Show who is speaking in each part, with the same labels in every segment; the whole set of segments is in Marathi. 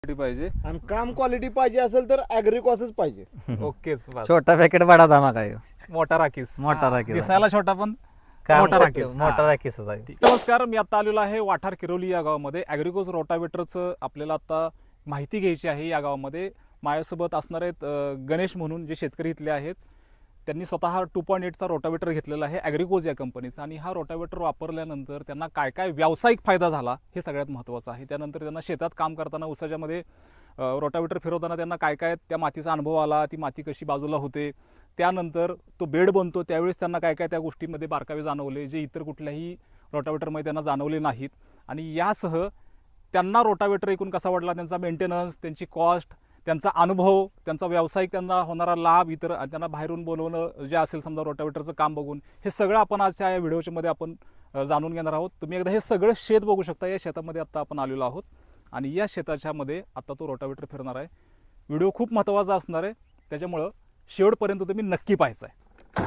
Speaker 1: पाहिजे
Speaker 2: आणि काम क्वालिटी पाहिजे असेल तर ॲग्रिकॉसच पाहिजे.
Speaker 1: ओकेच बस.
Speaker 3: छोटा पॅकेट बडा धमाका आहे ह्यो.
Speaker 1: मोठा राखीस
Speaker 3: मोठा राखीस आहे.
Speaker 1: दिसायला छोटा पण
Speaker 3: काम
Speaker 1: मोठा
Speaker 3: मोठं-
Speaker 1: राखीस.
Speaker 3: मोठा
Speaker 1: हा.
Speaker 3: राखीसच आहे.
Speaker 1: ठीक. नमस्कार, मी आता आलेलो आहे वाठार किरोली या गावामध्ये. ॲग्रिकोज रोटावेटरचं आपल्याला आता माहिती घ्यायची आहे. या गावामध्ये माझ्यासोबत असणार आहेत गणेश म्हणून जे शेतकरी इथले आहेत. त्यांनी स्वतः 2.8चा रोटावेटर घेतलेला आहे ॲग्रिकोज या कंपनीचा, आणि हा रोटावेटर वापरल्यानंतर त्यांना काय काय व्यावसायिक फायदा झाला हे सगळ्यात महत्त्वाचं आहे. त्यानंतर त्यांना शेतात काम करताना उसाच्यामध्ये रोटावेटर फिरवताना त्यांना काय काय त्या मातीचा अनुभव आला, ती माती कशी बाजूला होते, त्यानंतर तो बेड बनतो त्यावेळेस त्यांना काय काय त्या गोष्टींमध्ये बारकावे जाणवले जे इतर कुठल्याही रोटावेटरमध्ये त्यांना जाणवले नाहीत. आणि यासह त्यांना रोटावेटर एकूण कसा वाटला, त्यांचा मेंटेनन्स, त्यांची कॉस्ट, त्यांचा अनुभव, त्यांचा व्यावसायिक त्यांना होणारा लाभ, इतर त्यांना बाहेरून बोलवणं जे असेल समजा रोटावेटरचं काम बघून, हे सगळं आपण आजच्या या व्हिडिओच्या मध्ये आपण जाणून घेणार आहोत. तुम्ही एकदा हे सगळं शेत बघू शकता. या शेतामध्ये आता आपण आलेलो आहोत आणि या शेताच्या मध्ये आता तो रोटावेटर फिरणार आहे. व्हिडिओ खूप महत्त्वाचा असणार आहे, त्याच्यामुळं शेवटपर्यंत तुम्ही नक्की पाहायचं आहे.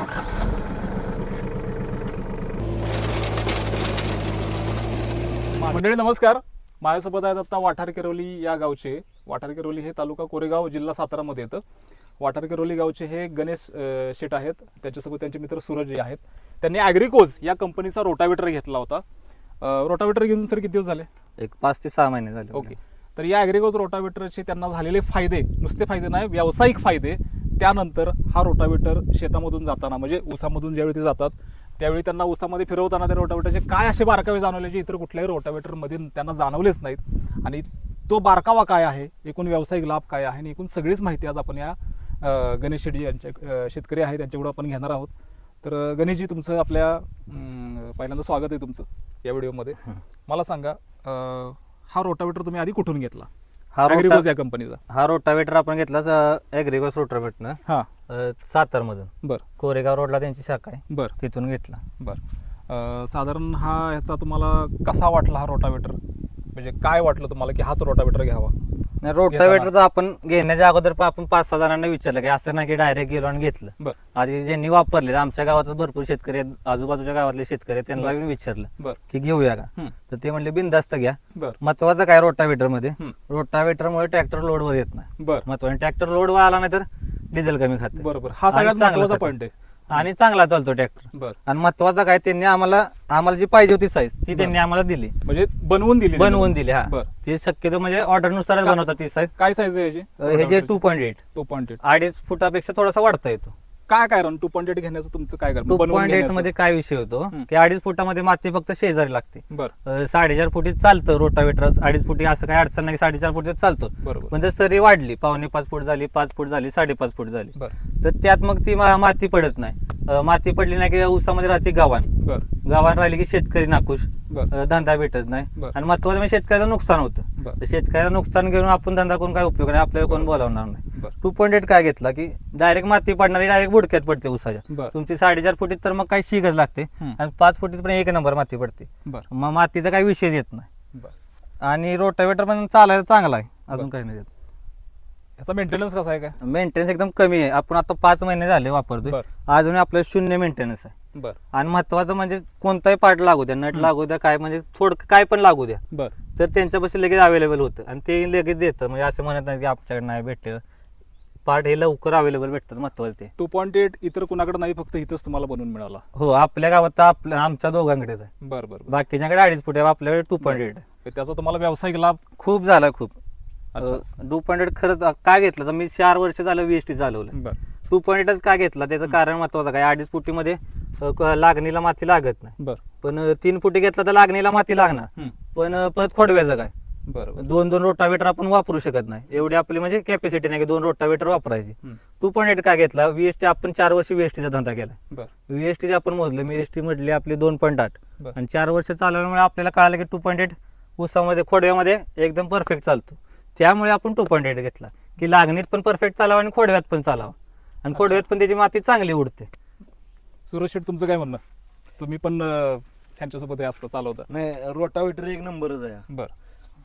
Speaker 1: मंडळी नमस्कार, माझ्यासोबत आहेत आता वाठार किरोली या गावचे. वाठार किरोली हे तालुका कोरेगाव जिल्हा सातारामध्ये येतं. वाठार किरोली गावचे हे गणेश शेट आहेत, त्याच्यासोबत त्यांचे मित्र सूरज आहेत. त्यांनी ॲग्रिकोज या कंपनीचा रोटावेटर घेतला होता. रोटावेटर घेऊन सर किती दिवस झाले?
Speaker 3: एक 5 ते 6 महिने झाले.
Speaker 1: ओके. तर या ॲग्रिकोज रोटावेटरचे त्यांना झालेले फायदे, नुसते फायदे नाही, व्यावसायिक फायदे. त्यानंतर हा रोटावेटर शेतामधून जाताना म्हणजे ऊसामधून ज्यावेळी ते जातात त्यावेळी त्यांना ऊसामध्ये फिरवताना त्या रोटावेटरचे काय असे बारकावे जाणवले जे इतर कुठल्याही रोटावेटरमध्ये त्यांना जाणवलेच नाहीत, आणि तो बारकावा काय आहे, एकूण व्यावसायिक लाभ काय आहे, आणि एकूण सगळीच माहिती आज आपण या गणेश शेट्टी यांच्या शेतकरी आहेत त्यांच्याकडून आपण घेणार आहोत. तर गणेशजी, तुमचं आपल्या पहिल्यांदा स्वागत आहे तुमचं या व्हिडिओमध्ये. मला सांगा, हा रोटावेटर तुम्ही आधी कुठून घेतला? ॲग्रिकोज या कंपनीचा.
Speaker 3: हा रोटावेटर आपण घेतला ॲग्रिकोस रोटावेटर
Speaker 1: हा
Speaker 3: सातार मधून.
Speaker 1: बर.
Speaker 3: कोरेगाव रोडला त्यांची शाखा आहे,
Speaker 1: बर.
Speaker 3: तिथून घेतला.
Speaker 1: बर. साधारण हा ह्याचा तुम्हाला कसा वाटला हा रोटावेटर? म्हणजे काय वाटलं तुम्हाला की हाच रोटावेटर घ्यावा?
Speaker 3: रोटावेटर आपण घेण्याच्या अगोदर आपण 5-6 जणांना विचारलं की असं नाही की डायरेक्ट गेलो आणि घेतलं.
Speaker 1: बर.
Speaker 3: आधी ज्यांनी वापरले, आमच्या गावातच भरपूर शेतकरी आहेत, आजूबाजूच्या गावातले शेतकरी आहेत, त्यांना मी विचारलं
Speaker 1: बर.
Speaker 3: की घेऊया का, तर ते म्हणले बिनधास्त घ्या.
Speaker 1: बर.
Speaker 3: महत्वाचं काय रोटावेटर मध्ये, रोटावेटरमुळे ट्रॅक्टर लोडवर येत नाही.
Speaker 1: बर.
Speaker 3: महत्वाचं ट्रॅक्टर लोडवर आला नाही तर डिझेल कमी खाते.
Speaker 1: बरोबर, हा सगळ्यात महत्त्वाचा पॉईंट आहे.
Speaker 3: आणि चांगला चालतो ट्रॅक्टर.
Speaker 1: बर.
Speaker 3: आणि महत्वाचं काय, त्यांनी आम्हाला जी पाहिजे होती साईज ती त्यांनी आम्हाला दिली,
Speaker 1: म्हणजे बनवून दिली.
Speaker 3: हा.
Speaker 1: बर.
Speaker 3: ते शक्यतो म्हणजे ऑर्डर नुसारच बनवतात ती साईज.
Speaker 1: काय साईज आहे याची?
Speaker 3: हे जे 2.8
Speaker 1: 2.8
Speaker 3: 2.5 फुटापेक्षा थोडासा वाढता येतो.
Speaker 1: काय कारण 2.8 घेण्याचं तुमचं काय कारण?
Speaker 3: 2.8 मध्ये काय विषय होतो की 2.5 फुटामध्ये माती फक्त शेजारी लागते.
Speaker 1: बर.
Speaker 3: 4.5 फुटी चालतं रोटावेटर. 2.5 फुटी असं काही अडचण नाही, 4.5 फुटीत चालतो.
Speaker 1: बरोबर.
Speaker 3: पण जर सरी वाढली, 5.25 फूट झाली, 5 फूट झाली, 5.5 फूट झाली,
Speaker 1: बर.
Speaker 3: तर त्यात मग ती माती पडत नाही. माती पडली नाही की ऊसामध्ये राहते गावान.
Speaker 1: बर.
Speaker 3: गावान राहिली की शेतकरी नाखुश,
Speaker 1: बर.
Speaker 3: धंदा भेटत नाही.
Speaker 1: बर.
Speaker 3: आणि महत्वाचं म्हणजे शेतकऱ्याचं नुकसान होतं.
Speaker 1: बर.
Speaker 3: तर शेतकऱ्याचं नुकसान घेऊन आपण धंदा करून काय उपयोग नाही, आपल्याला कोण बोलावणार नाही.
Speaker 1: बर.
Speaker 3: 2.8 काय घेतला की डायरेक्ट माती पडणारी, डायरेक्ट बुडक्यात पडते ऊसाच्या.
Speaker 1: बर.
Speaker 3: तुमची 4.5 फुटीत तर मग काही शिगच लागते, आणि 5 फुटीत पण 1 नंबर माती पडते.
Speaker 1: बर.
Speaker 3: मग मातीचा काही विषय येत नाही.
Speaker 1: बर.
Speaker 3: आणि रोटावेटर पण चालायला चांगला आहे, अजून काही नाही.
Speaker 1: याचा मेंटेनन्स कसा आहे? काय
Speaker 3: मेंटेनन्स एकदम कमी आहे. आपण आता 5 महिने झाले वापरतोय,
Speaker 1: बर.
Speaker 3: अजून आपल्याला 0 मेंटेनन्स आहे.
Speaker 1: बर.
Speaker 3: आणि महत्वाचं म्हणजे कोणताही पार्ट लागू द्या, नट लागू द्या, काय म्हणजे थोडं काय पण लागू द्या,
Speaker 1: बर.
Speaker 3: तर त्यांच्यापाशी लगेच अवेलेबल होतं, आणि ते लगेच देतं. म्हणजे असं म्हणत नाही की आमच्याकडे नाही भेटलं, पार्ट हे लवकर अवेलेबल भेटतात. महत्वाचं ते
Speaker 1: 2.8 इतर कुणाकडे नाही, फक्त इथंच तुम्हाला बनवून मिळाला.
Speaker 3: हो, आपल्या गावात तर आमच्या दोघांकडेच आहे.
Speaker 1: बर. बर.
Speaker 3: बाकीच्याकडे 2.5 फूट आहे, आपल्याकडे 2.8 आहे.
Speaker 1: त्याचा तुम्हाला व्यावसायिक लाभ
Speaker 3: खूप झाला, खूप.
Speaker 1: अच्छा.
Speaker 3: 2.8 खरंच काय घेतलं तर मी 4 वर्ष झालं VST चालवलं.
Speaker 1: बर.
Speaker 3: 2.8च का घेतला त्याचं कारण महत्वाचं काय, 2.5 फुटीमध्ये लागणीला माती लागत नाही.
Speaker 1: बर.
Speaker 3: पण 3 फुटी घेतला तर लागणीला माती लागणार, पण परत खोडव्याचं काय,
Speaker 1: बरोबर.
Speaker 3: 2 रोटावेटर आपण वापरू शकत नाही, एवढी आपली म्हणजे कॅपॅसिटी नाही की 2 रोटावेटर वापरायची. 2.8 काय घेतला, VST आपण 4 वर्ष VSTचा धंदा केला.
Speaker 1: बर.
Speaker 3: VST आपण मोजलं, VST म्हटली आपली 2.8,
Speaker 1: बर.
Speaker 3: आणि 4 वर्ष चालवल्यामुळे आपल्याला कळालं की 2.8 ऊसामध्ये खोडव्यामध्ये एकदम परफेक्ट चालतो. त्यामुळे आपण 2.8 घेतला की लागणीत पण परफेक्ट चालावा आणि खोडव्यात पण चालावा, आणि खोडव्यात पण त्याची माती चांगली उडते.
Speaker 1: सुरेश शेठ, तुमचं काय म्हणणं? तुम्ही पण त्यांच्यासोबत हे असतं चालवता?
Speaker 2: नाही, रोटावेटर एक नंबरच आहे.
Speaker 1: बर.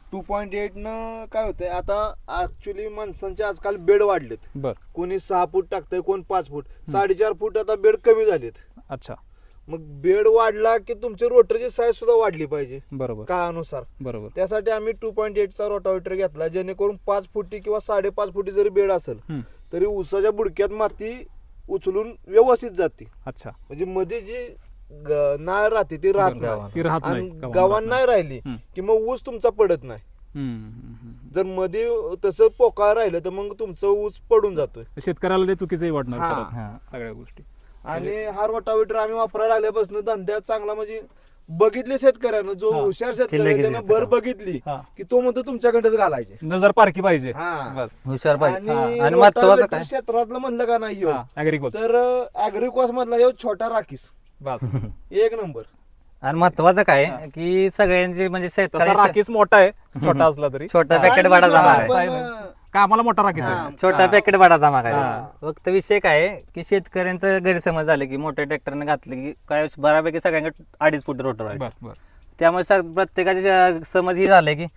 Speaker 2: 2.8 न काय होतंय, आता ऍक्च्युली माणसांचे आजकाल बेड वाढलेत.
Speaker 1: बर.
Speaker 2: कोणी 6 फूट टाकतंय, कोण 5 फूट, 4.5 फूट आता बेड कमी झालेत.
Speaker 1: अच्छा.
Speaker 2: मग बेड वाढला की तुमची रोटरची साईज सुद्धा वाढली पाहिजे
Speaker 1: बरोबर
Speaker 2: काळानुसार.
Speaker 1: बरोबर.
Speaker 2: त्यासाठी आम्ही 2.8चा रोटावेटर घेतला, जेणेकरून 5 फुटी किंवा 5.5 फुटी जरी बेड असेल
Speaker 1: हम्म.
Speaker 2: तरी ऊसाच्या बुडक्यात माती उचलून व्यवस्थित जाते.
Speaker 1: अच्छा.
Speaker 2: म्हणजे मध्ये जी नाळ राहते ती राहत नाही,
Speaker 1: ती राहत
Speaker 2: आणि
Speaker 1: नाही
Speaker 2: गव्हाण नाही राहिली
Speaker 1: हम्म.
Speaker 2: की मग ऊस तुमचा पडत नाही.
Speaker 1: हम्म.
Speaker 2: जर मध्ये तसं पोकाळ राहिलं तर मग तुमचं ऊस पडून जातोय.
Speaker 1: शेतकऱ्याला ते चुकीचंही वाटणार
Speaker 2: हा.
Speaker 1: परत,
Speaker 3: हा.
Speaker 1: सगळ्या गोष्टी.
Speaker 2: आणि हा रोटावेटर आम्ही वापरायला आल्यापासून धंद्यात चांगला म्हणजे बघितले शेतकऱ्यानं, जो
Speaker 1: हा.
Speaker 2: हुशार
Speaker 3: लगेच
Speaker 2: शेतकरी त्यानं
Speaker 3: येतं
Speaker 2: भर
Speaker 3: का?
Speaker 2: बघितली
Speaker 1: हा.
Speaker 2: की तो म्हणतो तुमच्याकडेच घालायचे.
Speaker 1: नजर पारखी पाहिजे.
Speaker 2: हा.
Speaker 1: बस.
Speaker 3: हुशार पाहिजे.
Speaker 2: आणि
Speaker 3: आणि महत्वाचं
Speaker 2: रोटावेटर
Speaker 3: काय
Speaker 2: क्षेत्रातलं म्हणलं का नाही ह्यो,
Speaker 1: ऍग्रिकोच.
Speaker 2: तर अॅग्रिकॉस मधला ह्यो छोटा राखीस
Speaker 1: बस.
Speaker 2: एक नंबर.
Speaker 3: आणि महत्वाचं काय की सगळ्यांचे म्हणजे
Speaker 1: तसा
Speaker 3: शेतकरी
Speaker 1: राखीस मोठा आहे, छोटा असला तरी.
Speaker 3: छोटा
Speaker 2: साहेब
Speaker 3: पॅकेट बडा जमा
Speaker 1: हा,
Speaker 3: आहे.
Speaker 1: साहेब. का आम्हाला मोठा राखीस
Speaker 2: हा.
Speaker 1: आहे.
Speaker 3: छोटा पॅकेट बडा जमा काय
Speaker 1: हा.
Speaker 3: फक्त विषय काय आहे की शेतकऱ्यांचा गैरसमज झाले की मोठ्या ट्रॅक्टरने घातले की काय बऱ्यापैकी सगळ्यांकडे 2.5 फूट रोटर आहे.
Speaker 1: बर बर.
Speaker 3: त्यामुळे प्रत्येकाचे समज ही झाले की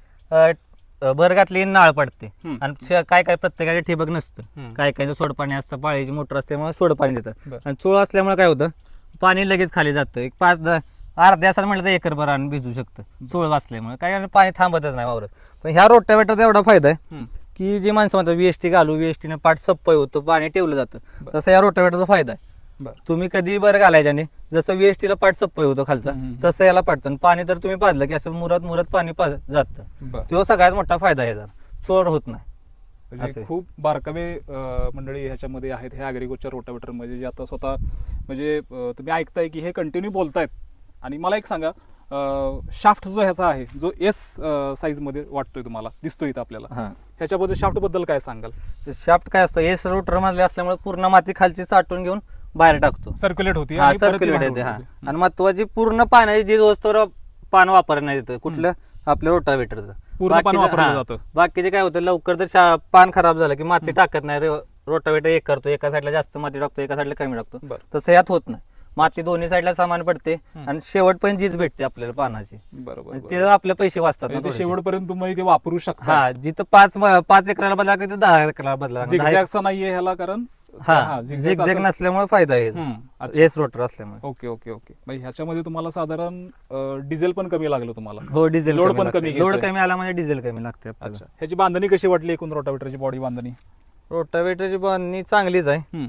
Speaker 3: भर घातली नाळ पडते
Speaker 1: हम्म.
Speaker 3: आणि काय काय प्रत्येकाचे ठिबक नसतं.
Speaker 1: हम्म.
Speaker 3: काय काय सोडपाणी असतं, पाळीची मोटर असल्यामुळे सोडपाणी देतात.
Speaker 1: बर.
Speaker 3: आणि चोळ असल्यामुळे काय होतं, पाणी लगेच खाली जातं. एक 5-10 अर्ध्या तासात म्हटलं तर एकरभर आणि भिजू शकतं चोळ वाचल्यामुळे. काय आणि पाणी थांबतच नाही वावरत. पण ह्या रोटावेटरचा एवढा फायदा आहे
Speaker 1: हम्म.
Speaker 3: की जे माणसं म्हणतात VST घालू, VST ने पाठ सप्पय होतं, पाणी ठेवलं जातं, तसं या रोटावेटरचा फायदा आहे.
Speaker 1: बर.
Speaker 3: तुम्ही कधी बरं घालायच्याने जसं VST ला पाठ सप्पय होतो खालचा,
Speaker 1: हम्म.
Speaker 3: तसं याला पाडतं. पाणी तर तुम्ही पाजलं की असं मुरत पाणी जातं.
Speaker 1: बर.
Speaker 3: तो सगळ्यात मोठा फायदा आहे. जर चोर होत नाही.
Speaker 1: म्हणजे
Speaker 3: असं आहे.
Speaker 1: खूप बारकावे मंडळी ह्याच्यामध्ये आहेत, ह्या ॲग्रिकोच्या रोटावेटर मध्ये, जे आता स्वतः म्हणजे तुम्ही ऐकताय की हे कंटिन्यू बोलतायत. आणि मला एक सांगा, शाफ्ट जो ह्याचा आहे, जो S साईज मध्ये वाटतोय तुम्हाला, दिसतोय इथं आपल्याला,
Speaker 3: हा.
Speaker 1: ह्याच्याबद्दल शाफ्ट बद्दल काय सांगाल?
Speaker 3: शाफ्ट काय असतं, एस रोटर मधले असल्यामुळे पूर्ण माती खालची साठवून घेऊन बाहेर टाकतो.
Speaker 1: सर्क्युलेट होती
Speaker 3: हा,
Speaker 1: आणि परत ती
Speaker 3: सर्क्युलेट
Speaker 1: बाहेर
Speaker 3: येते. हा.
Speaker 1: होते.
Speaker 3: आणि महत्वाची पूर्ण पाण्याची जी वस्तूवर पान वापरण्यात येतं कुठलं, आपल्या रोटावेटरचं
Speaker 1: पूर्ण पान वापरलं जातं.
Speaker 3: बाकीचे काय होतं, लवकर जर पान खराब झालं की माती टाकत नाही. रोटावेटर एक करतो, एका साईडला जास्त माती टाकतो, एका साईडला कमी टाकतो.
Speaker 1: बरं.
Speaker 3: तसं यात होत नाही. माती दोन्ही साईडला समान पडते आणि शेवट पण जीज भेटते आपल्याला पानाची.
Speaker 1: बरोबर.
Speaker 3: आणि ते आपले पैसे वाचतात ना
Speaker 1: म्हणजे ते
Speaker 3: थोडेसे.
Speaker 1: शेवटपर्यंत तुम्ही ते वापरू शकता.
Speaker 3: हा, जिथं 5 एकराला बदला तिथं 10 एकराला बदला.
Speaker 1: झिगझॅगचा नाहीये ह्याला, कारण
Speaker 3: हा, झिगझॅग नसल्यामुळे फायदा आहे.
Speaker 1: अच्छा.
Speaker 3: एस रोटर असल्यामुळे.
Speaker 1: Okay okay okay. म्हणजे ह्याच्यामध्ये तुम्हाला साधारण डिझेल पण कमी लागलं तुम्हाला.
Speaker 3: हो, डिझेल
Speaker 1: लोड पण कमी
Speaker 3: लोड
Speaker 1: घेतोय.
Speaker 3: कमी आला म्हणजे डिझेल कमी लागते आपल्याला.
Speaker 1: अच्छा. ह्याची बांधणी कशी वाटली, एकूण रोटावेटरची बॉडी बांधणी?
Speaker 3: रोटावेटरची बांधणी चांगलीच आहे.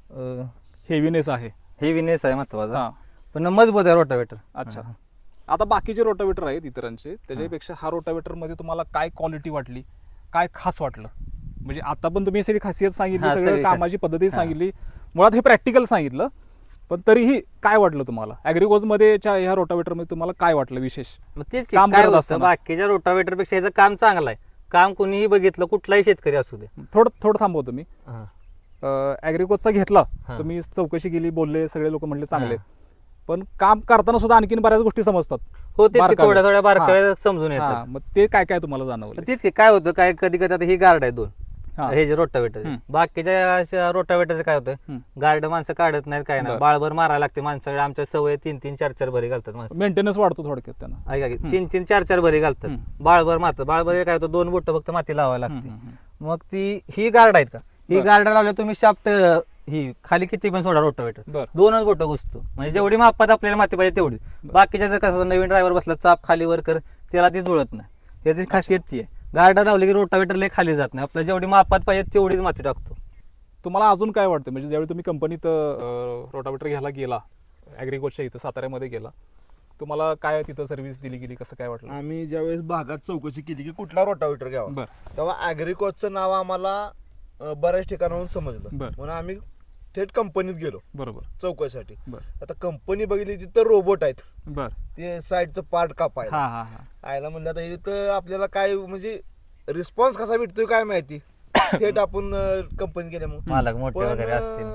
Speaker 1: हेवीनेस आहे.
Speaker 3: हेवीनेस आहे महत्वाचा,
Speaker 1: हा.
Speaker 3: पण मजबूत आहे रोटावेटर.
Speaker 1: अच्छा. आता बाकीचे रोटावेटर आहेत इतरांचे, त्याच्यापेक्षा हा रोटावेटर मध्ये तुम्हाला काय क्वालिटी वाटली, काय खास वाटलं? म्हणजे आता पण तुम्ही सगळी खासियत सांगितली,
Speaker 3: हा,
Speaker 1: सगळं
Speaker 3: सगळी
Speaker 1: कामाची पद्धती
Speaker 3: हा.
Speaker 1: सांगितली, मुळात हे प्रॅक्टिकल सांगितलं, पण तरीही काय वाटलं तुम्हाला ॲग्रिकोज मध्ये ह्या रोटावेटर मध्ये तुम्हाला काय वाटलं विशेष?
Speaker 3: मग तेच की,
Speaker 1: काम
Speaker 3: काय
Speaker 1: करत
Speaker 3: होतं,
Speaker 1: असताना.
Speaker 3: बाकीच्या रोटावेटर पेक्षा याचं काम चांगलं आहे. काम कोणीही बघितलं, कुठलाही शेतकरी असू दे.
Speaker 1: थोडं थांबव तुम्ही.
Speaker 3: हा.
Speaker 1: ॲग्रिकोजचा घेतला,
Speaker 3: हा.
Speaker 1: तुम्ही चौकशी केली, बोलले, सगळे लोक म्हणले चांगले,
Speaker 3: हा.
Speaker 1: पण काम करताना सुद्धा आणखीन बऱ्याच गोष्टी समजतात.
Speaker 3: हो, तेच की,
Speaker 1: बारकावे.
Speaker 3: थोड्या बारकाव्या
Speaker 1: हा.
Speaker 3: समजून
Speaker 1: हा,
Speaker 3: येतात.
Speaker 1: मग ते काय काय तुम्हाला जाणवलं?
Speaker 3: तेच की, काय होतं, काय कधी कधी आता ही गार्ड आहे 2,
Speaker 1: हा.
Speaker 3: हे जे रोटावेटर.
Speaker 1: हम्म.
Speaker 3: बाकीच्या रोटावेटरचं काय होतं,
Speaker 1: हम्म.
Speaker 3: गार्ड माणसं काढत नाहीत, काय नाही,
Speaker 1: बरं.
Speaker 3: बाळभर मारायला लागते माणसाकडे. आमच्या सवय 3-3, 4-4 भरी घालतात माणसं.
Speaker 1: मेंटेनन्स वाढतो थोडक्यात त्यांना.
Speaker 3: ऐका की, 3-3, 4-4 भरी घालतात.
Speaker 1: हम्म.
Speaker 3: बाळभर मारतात. बाळभर काय होतं, 2 बोट फक्त माती लावायला लागते.
Speaker 1: हम्म.
Speaker 3: मग ही गार्ड आहेत का, ही
Speaker 1: बरं.
Speaker 3: गार्ड लावल्या तुम्ही शाफ्ट ही खाली किती पण सोडा रोटावेटर,
Speaker 1: बरं.
Speaker 3: 2च बोट घुसतो. म्हणजे जेवढी मापात आपल्याला माती पाहिजे तेवढी. बाकीच्या जर कसं नवीन ड्रायव्हर बसला, चाप खाली वर कर, त्याला ती जुळत नाही. त्याची खासियत ती आहे. गार्ड लावली की रोटावेटर लय खाली जात नाही. आपल्याला जेवढी मापात पाहिजे तेवढीच माती टाकतो.
Speaker 1: तुम्हाला अजून काय वाटतं, म्हणजे ज्यावेळी तुम्ही कंपनीत रोटावेटर घ्यायला गेला, ॲग्रिकोजच्या इथं साताऱ्यामध्ये गेला, तुम्हाला काय तिथं सर्व्हिस दिली गेली, कसं काय वाटलं?
Speaker 2: आम्ही ज्यावेळेस भागात चौकशी केली की कुठला रोटावेटर घ्यावा,
Speaker 1: बरं.
Speaker 2: तेव्हा अॅग्रिकॉसचं नाव आम्हाला बऱ्याच ठिकाणाहून समजलं.
Speaker 1: बरं.
Speaker 2: म्हणून आम्ही थेट कंपनीत गेलो
Speaker 1: बरोबर.
Speaker 2: चौकशीसाठी.
Speaker 1: बरं
Speaker 2: आता कंपनी बघितली तिथं रोबोट आहेत,
Speaker 1: बरं.
Speaker 2: ते साईडचं पार्ट कापायला.
Speaker 1: हा हा हा.
Speaker 2: आयला म्हणलं आता इथं आपल्याला काय म्हणजे रिस्पॉन्स कसा भेटतोय काय माहिती. थेट आपण कंपनी गेल्यामुळे
Speaker 3: मालक मोठे
Speaker 2: पण
Speaker 3: वगैरे असतील.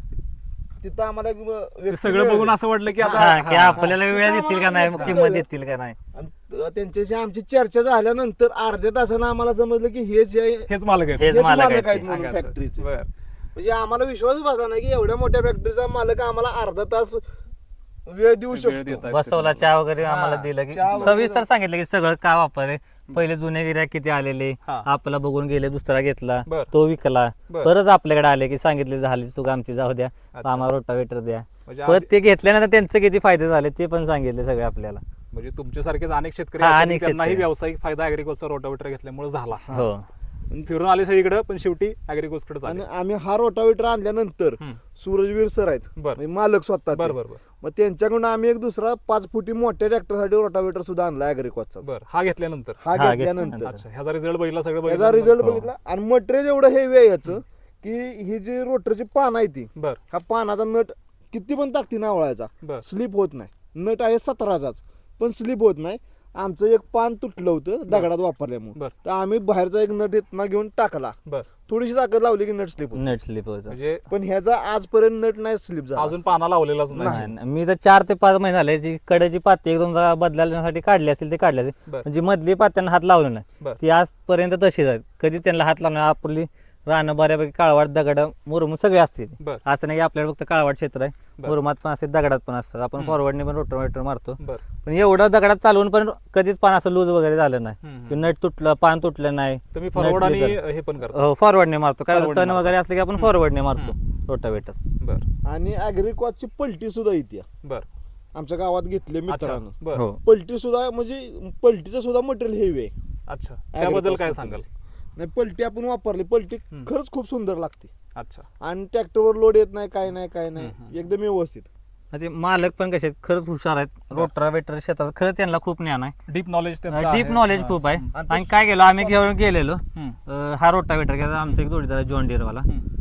Speaker 2: तिथं आम्हाला एक
Speaker 1: ते
Speaker 2: व्यक्ती
Speaker 1: सगळं बघून
Speaker 2: मिळाली.
Speaker 1: असं वाटलं की
Speaker 3: हा,
Speaker 1: आता
Speaker 3: की आपल्याला वेळ देतील का नाही,
Speaker 2: हा.
Speaker 3: किंमत देतील का नाही.
Speaker 2: आणि त्यांच्याशी आमची चर्चा झाल्यानंतर अर्ध्या तासानं आम्हाला समजलं की हेच
Speaker 1: हेच मालक आहेत.
Speaker 3: हेच मालक आहेत
Speaker 2: आहेत
Speaker 3: ते.
Speaker 2: म्हणून
Speaker 1: सांगायचं.
Speaker 2: फॅक्टरीचे.
Speaker 1: बरं.
Speaker 2: म्हणजे आम्हाला विश्वास बसला नाही की एवढ्या मोठ्या फॅक्टरीचा मालक आम्हाला अर्धा तास वेळ देऊ
Speaker 1: वेळ
Speaker 2: शकतो.
Speaker 1: देतायत
Speaker 3: बसवला
Speaker 1: ते
Speaker 3: चहा वगैरे
Speaker 2: हा,
Speaker 3: आम्हाला दिलं की
Speaker 2: चहा वगैरे
Speaker 3: सविस्तर सांगितलं की सगळं का वापरले. पहिले जुने गिऱ्हाईक किती आलेले,
Speaker 1: हा.
Speaker 3: आपला बघून गेले, दुसरा घेतला,
Speaker 1: बर.
Speaker 3: तो विकला,
Speaker 1: बर.
Speaker 3: परत आपल्याकडे आले की सांगितले झाली चूक आमची, जाऊ द्या
Speaker 1: अच्छा.
Speaker 3: आम्हाला रोटावेटर द्या.
Speaker 1: म्हणजे
Speaker 3: परत ते घेतल्यानंतर त्यांचे किती फायदे झाले ते पण सांगितले सगळे आपल्याला.
Speaker 1: म्हणजे तुमच्यासारखेच अनेक शेतकरी
Speaker 3: हा,
Speaker 1: असे की
Speaker 3: अनेक
Speaker 1: त्यांनाही
Speaker 3: शेतकरी.
Speaker 1: व्यावसायिक फायदा ॲग्रिकोजचा रोटावेटर घेतल्यामुळे झाला.
Speaker 3: हो
Speaker 1: फिरून आले सगळीकडे पण शेवटी ॲग्रिकोजकडे
Speaker 2: आणि
Speaker 1: झाले.
Speaker 2: आम्ही हा रोटावेटर आणल्यानंतर
Speaker 1: हम्म.
Speaker 2: सूरजवीर सर आहेत
Speaker 1: बर.
Speaker 2: म्हणजे मालक स्वतः ते.
Speaker 1: बर बर बर
Speaker 2: मग त्यांच्याकडून आम्ही एक दुसरा 5 फुटी मोठ्या ट्रॅक्टरसाठी रोटावेटर सुद्धा आणला ॲग्रिकॉसचा.
Speaker 1: बर हा घेतल्यानंतर
Speaker 2: हा
Speaker 3: हा,
Speaker 2: घेतल्यानंतर
Speaker 3: घेतल्यानंतर.
Speaker 1: अच्छा ह्याचा रिझल्ट बघितला सगळं
Speaker 2: याचा
Speaker 1: बघितलं
Speaker 2: रिझल्ट
Speaker 3: हो.
Speaker 2: बघितला आणि मटेरियल एवढं हेवी आहे याचं की ही जी रोटरची पान आहे ती,
Speaker 1: बर
Speaker 2: हा पानाचा नट किती पण ताकदीने आवळायचा
Speaker 1: बर
Speaker 2: स्लिप होत नाही. नट आहे 17चाच पण स्लिप होत नाही. आमचं एक पान तुटलं होतं दगडात वापरल्यामुळे,
Speaker 1: बर.
Speaker 2: तर आम्ही बाहेरचा एक नट इथनं घेऊन टाकला,
Speaker 1: बर
Speaker 2: थोडीशी ताकद लावली की नट स्लिप होत.
Speaker 3: नेट स्लिप होतं.
Speaker 1: म्हणजे
Speaker 2: पण ह्याचा आजपर्यंत नट नाही स्लिप झाला.
Speaker 1: अजून पाना लावलेलाच नाही.
Speaker 3: नाही, नाही. मी तर 4 ते 5 महिने झाले जी कडेची पाती एकदम बदलण्यासाठी काढली असतील ते काढले
Speaker 1: बर.
Speaker 3: म्हणजे मधली पात्यांना हात लावले नाही,
Speaker 1: बर
Speaker 3: ती आजपर्यंत तशीच आहेत. कधी त्यांना हात लावणार. आपली रानं बऱ्यापैकी काळवाट दगड मुरुम सगळे असतील.
Speaker 1: बर
Speaker 3: असं नाही की आपल्याला फक्त काळवाट क्षेत्र आहे,
Speaker 1: बर.
Speaker 3: मुरुमात पण असते, दगडात पण असतात. आपण
Speaker 1: हम्म.
Speaker 3: फॉरवर्डने पण रोटावेटर मारतो,
Speaker 1: बर
Speaker 3: पण एवढं दगडात चालवून पण कधीच पान असं लूज वगैरे झालं नाही
Speaker 1: हम्म,
Speaker 3: की
Speaker 1: हम्म.
Speaker 3: नट तुटलं, पान तुटलं नाही.
Speaker 1: तुम्ही फॉरवर्ड
Speaker 3: नट
Speaker 1: आणि
Speaker 3: slip झालं.
Speaker 1: हे पण करता.
Speaker 3: हो फॉरवर्डने मारतो. काय
Speaker 1: Forward
Speaker 3: तण
Speaker 1: ने
Speaker 3: वगैरे असले की आपण फॉरवर्डने मारतो
Speaker 1: हम्म.
Speaker 3: रोटावेटर.
Speaker 1: बर
Speaker 2: आणि ॲग्रिकॉसची पलटी सुद्धा येते
Speaker 1: बर
Speaker 2: आमच्या गावात घेतले
Speaker 1: अच्छा
Speaker 2: मित्रांनो.
Speaker 1: बर
Speaker 3: हो
Speaker 2: पलटी सुद्धा म्हणजे पलटीचं सुद्धा मटेरियल हेवी आहे.
Speaker 1: अच्छा त्याबद्दल काय
Speaker 2: Agricos
Speaker 1: सांगाल?
Speaker 2: नाही, पलटी आपण वापरली, पलटी
Speaker 1: हम्म.
Speaker 2: खरंच खूप सुंदर लागते
Speaker 1: अच्छा
Speaker 2: आणि ट्रॅक्टरवर लोड येत नाही, काय नाही काय नाही,
Speaker 1: हम्म.
Speaker 2: एकदम व्यवस्थित.
Speaker 3: ते मालक पण कसे आहेत, खरंच हुशार आहेत. रोटावेटर शेतात खरंच त्यांना खूप ज्ञान आहे,
Speaker 1: डीप नॉलेज
Speaker 3: डीप नॉलेज खूप आहे.
Speaker 2: आणि ते
Speaker 3: आणि काय केलं आम्ही घेऊन गेलेलो
Speaker 1: हम्म.
Speaker 3: हा रोटावेटर घ्यायचा. आमचा एक जोडीदार आहे जॉन डिअरवाला.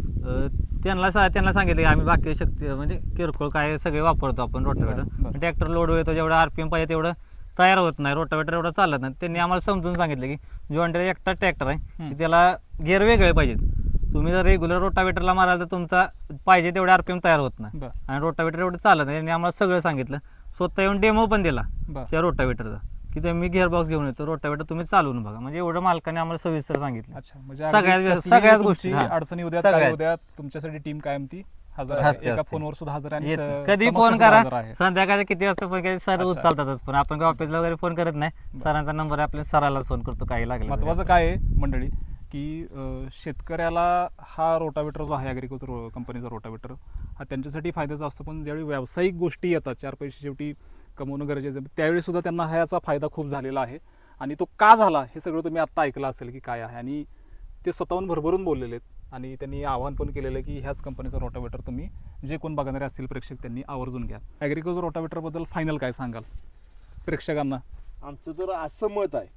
Speaker 3: त्यांना सांगितलं की आम्ही बाकी शक्ती म्हणजे किरकोळ काय सगळे वापरतो आपण
Speaker 1: बरं,
Speaker 3: रोटावेटर.
Speaker 1: बरं.
Speaker 3: ट्रॅक्टर लोड येतो जेवढं आरपीएम पाहिजे तेवढं तयार होत नाही, रोटावेटर एवढं चालत नाही. त्यांनी आम्हाला समजून सांगितलं की जॉन डिअर एकटा ट्रॅक्टर आहे की त्याला गिअर वेगळे पाहिजेत. तुम्ही जर रेग्युलर रोटावेटरला माराल तर तुमचा पाहिजे तेवढे आरपीएम तयार होत नाही
Speaker 1: बर
Speaker 3: आणि रोटावेटर एवढं चालत नाही. त्यांनी आम्हाला सगळं सांगितलं. स्वतः येऊन डेमो पण दिला
Speaker 1: बर
Speaker 3: त्या रोटावेटरचा की तुम्ही गिअर बॉक्स घेऊन येतो, रोटावेटर तुम्ही चालवून बघा. म्हणजे एवढं मालकाने आम्हाला सविस्तर सांगितलं.
Speaker 1: अच्छा म्हणजे
Speaker 3: सगळ्याच
Speaker 1: अगदी कसलीही
Speaker 3: सगळ्याच
Speaker 1: तुमची
Speaker 3: गोष्टी, हा.
Speaker 1: अडचणी उद्या
Speaker 3: सगळ्यात.
Speaker 1: काय उद्या तुमच्यासाठी टीम कायम ती हजर आहे.
Speaker 3: असते,
Speaker 1: एका
Speaker 3: असते.
Speaker 1: फोनवर सुद्धा हजर आहे आणि
Speaker 3: येत-
Speaker 1: स-
Speaker 3: कधी
Speaker 1: समक्ष
Speaker 3: फोन
Speaker 1: सुद्धा
Speaker 3: करा,
Speaker 1: हजर आहे.
Speaker 3: संध्याकाळी किती वाजता पण काही सर
Speaker 1: अच्छा.
Speaker 3: उचलतातच. पण आपण काय ऑफिसला वगैरे फोन करत नाही. सरांचा नंबर आहे, आपल्या सरालाच फोन करतो काही लागलं तरी.
Speaker 1: महत्वाचं काय आहे मंडळी की शेतकऱ्याला हा रोटावेटर जो आहे ॲग्रिकोज कंपनीचा रोटावेटर हा त्यांच्यासाठी फायद्याचा असतो. पण ज्यावेळी व्यावसायिक गोष्टी येतात, 4 पैसे शेवटी कमवणं गरजेचं आहे, त्यावेळी सुद्धा त्यांना ह्याचा फायदा खूप झालेला आहे. आणि तो का झाला हे सगळं तुम्ही आत्ता ऐकलं असेल की काय आहे. आणि ते स्वतःहून भरभरून बोललेले आहेत आणि त्यांनी आवाहन पण केलेलं आहे की ह्याच कंपनीचा रोटावेटर तुम्ही जे कोण बघणारे असतील प्रेक्षक त्यांनी आवर्जून घ्या. ॲग्रिकोज रोटावेटरबद्दल फायनल काय सांगाल प्रेक्षकांना?
Speaker 2: आमचं तर असं मत आहे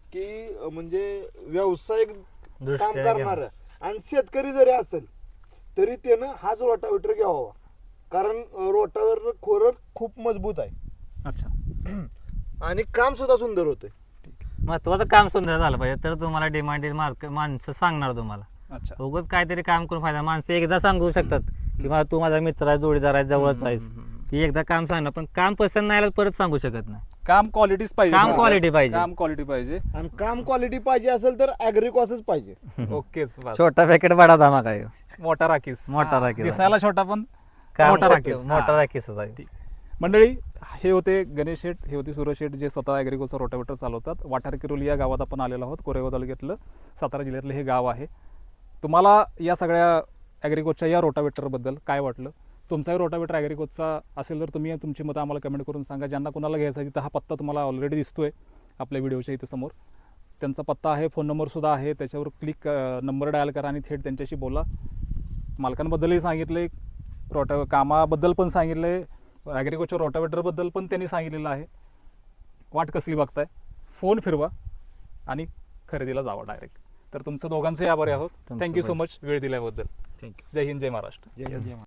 Speaker 2: की म्हणजे व्यावसायिक काम
Speaker 3: दृष्ट्या
Speaker 2: करणार आणि शेतकरी जरी असेल तरी त्यानं हाच रोटावेटर घ्यावा, कारण रोटावेटर खोरं खूप मजबूत आहे
Speaker 1: अच्छा
Speaker 2: आणि काम सुद्धा सुंदर होतंय.
Speaker 3: महत्वाचं काम सुंदर झालं पाहिजे तर तुम्हाला डिमांड माणसं सांगणार तुम्हाला.
Speaker 1: अच्छा
Speaker 3: उगाच काहीतरी काम करून फायदा. माणसं एकदा सांगू शकतात की मला तू माझा मित्र आहे, जोडीदार आहे, जवळच आहेस, की एकदा काम सांगणार. पण काम पसंत नाही आलं परत सांगू शकत नाही.
Speaker 1: काम क्वालिटीच पाहिजे.
Speaker 3: काम quality पाहिजे.
Speaker 1: काम क्वालिटी पाहिजे.
Speaker 2: आणि काम क्वालिटी पाहिजे असेल तर ॲग्रिकॉसच पाहिजे.
Speaker 1: ओकेच बस.
Speaker 3: छोटा पॅकेट बडा धमाका आहे.
Speaker 1: मोठा राखीस.
Speaker 3: मोठा राखीस आहे.
Speaker 1: दिसायला छोटा पण
Speaker 3: काम
Speaker 1: मोठा
Speaker 3: मोठं-
Speaker 1: राखीस.
Speaker 3: मोठा
Speaker 1: हा.
Speaker 3: राखीसच आहे.
Speaker 1: ठीक. मंडळी हे होते गणेश शेठ, हे होते सूरज शेठ जे स्वतः ॲग्रिकोचा रोटावेटर चालवतात. वाठार किरोली या गावात आपण आलेलो आहोत. कोरेगाव तालुक्यातलं सातारा जिल्ह्यातलं हे गाव आहे. तुम्हाला या सगळ्या ॲग्रिकोच्या या रोटावेटरबद्दल काय वाटलं? तुमचाही रोटावेटर ॲग्रिकोचा असेल तर तुम्ही तुमची मतं आम्हाला कमेंट करून सांगा. ज्यांना कोणाला घ्यायचा आहे तिथं हा पत्ता तुम्हाला ऑलरेडी दिसतोय आपल्या व्हिडिओच्या इथे समोर. त्यांचा पत्ता आहे, फोन नंबरसुद्धा आहे. त्याच्यावर क्लिक नंबर डायल करा आणि थेट त्यांच्याशी बोला. मालकांबद्दलही सांगितले, कामाबद्दल पण सांगितले, ॲग्रिकोच्या रोटावेटरबद्दल पण त्यांनी सांगितलेलं आहे. वाट कसली बघताय? फोन फिरवा आणि खरेदीला जावा डायरेक्ट. तर तुमचं दोघांचेही आभारी आहोत.
Speaker 3: तुमचं
Speaker 1: थँक्यू सो
Speaker 3: पण.
Speaker 1: मच वेळ दिल्याबद्दल.
Speaker 2: थँक्यू.
Speaker 1: जय हिंद, जय महाराष्ट्र.
Speaker 2: जय हिंद.